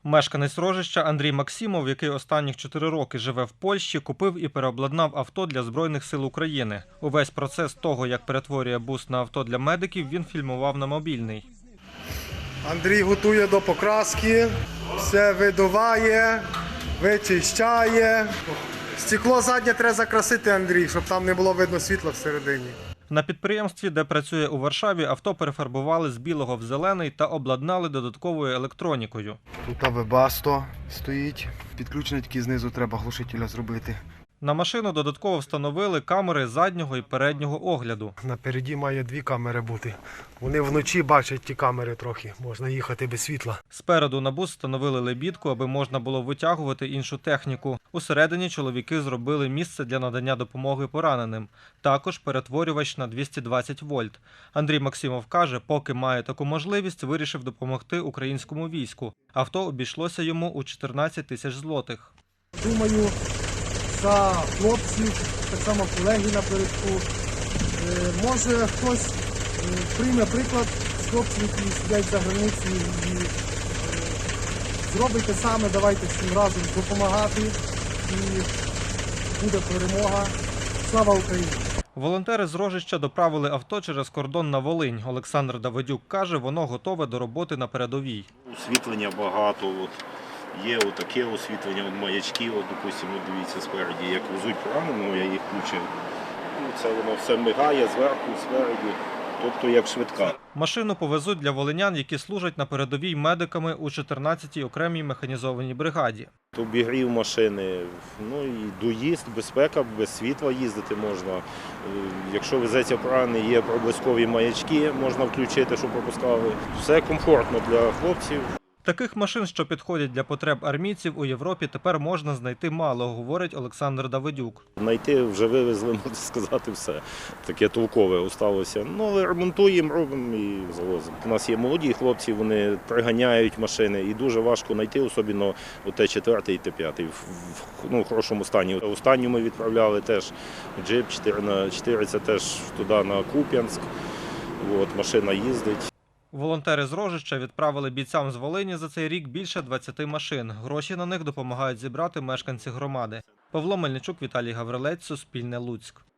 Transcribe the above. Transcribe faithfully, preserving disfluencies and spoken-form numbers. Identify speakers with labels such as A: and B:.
A: Мешканець Рожища Андрій Максимов, який останніх чотири роки живе в Польщі, купив і переобладнав авто для Збройних сил України. Увесь процес того, як перетворює бус на авто для медиків, він фільмував на мобільний.
B: Андрій готує до покраски, все видуває, вичищає. Стекло заднє треба закрасити, Андрій, щоб там не було видно світла всередині.
A: На підприємстві, де працює у Варшаві, авто перефарбували з білого в зелений та обладнали додатковою електронікою.
C: Тут вебасто стоїть, підключений тільки знизу треба глушителя зробити.
A: На машину додатково встановили камери заднього і переднього огляду.
B: Напереді має дві камери бути. Вони вночі бачать ті камери трохи, можна їхати без світла.
A: Спереду на бус встановили лебідку, аби можна було витягувати іншу техніку. Усередині чоловіки зробили місце для надання допомоги пораненим. Також перетворювач на двісті двадцять вольт. Андрій Максимов каже, поки має таку можливість, вирішив допомогти українському війську. Авто обійшлося йому у чотирнадцять тисяч злотих.
B: Думаю, за хлопців, так само колеги напередку. Е, може хтось е, прийме приклад з хлопців, які сидять за границею і е, зробить те саме, давайте всім разом допомагати і буде перемога. Слава Україні!
A: Волонтери з Рожища доправили авто через кордон на Волинь. Олександр Давидюк каже, воно готове до роботи на передовій.
D: Освітлення багато. От. Є отаке освітлення, от маячки, от, допустимо, дивіться спереді, як везуть пораненого, я їх включив. Ну, це воно все мигає зверху, спереді, тобто як швидка.
A: Машину повезуть для волинян, які служать на передовій медиками у чотирнадцятій окремій механізованій бригаді.
D: Обігрів машини, ну і доїзд, безпека, без світла їздити можна. Якщо везеться поранений, є проблискові маячки, можна включити, щоб пропускали. Все комфортно для хлопців.
A: Таких машин, що підходять для потреб армійців, у Європі тепер можна знайти мало, говорить Олександр Давидюк.
D: Знайти вже вивезли, можна сказати, все. Таке толкове осталося. Ну, але ремонтуємо, робимо і завозимо. У нас є молоді хлопці, вони приганяють машини і дуже важко знайти, особливо Т чотири і Т п'ять в, ну, в хорошому стані. Останню ми відправляли теж джип чотири на чотири, це теж туди на Куп'янськ. От, машина їздить.
A: Волонтери з Рожища відправили бійцям з Волині за цей рік більше двадцяти машин. Гроші на них допомагають зібрати мешканці громади. Павло Мельничук, Віталій Гаврилець, Суспільне, Луцьк.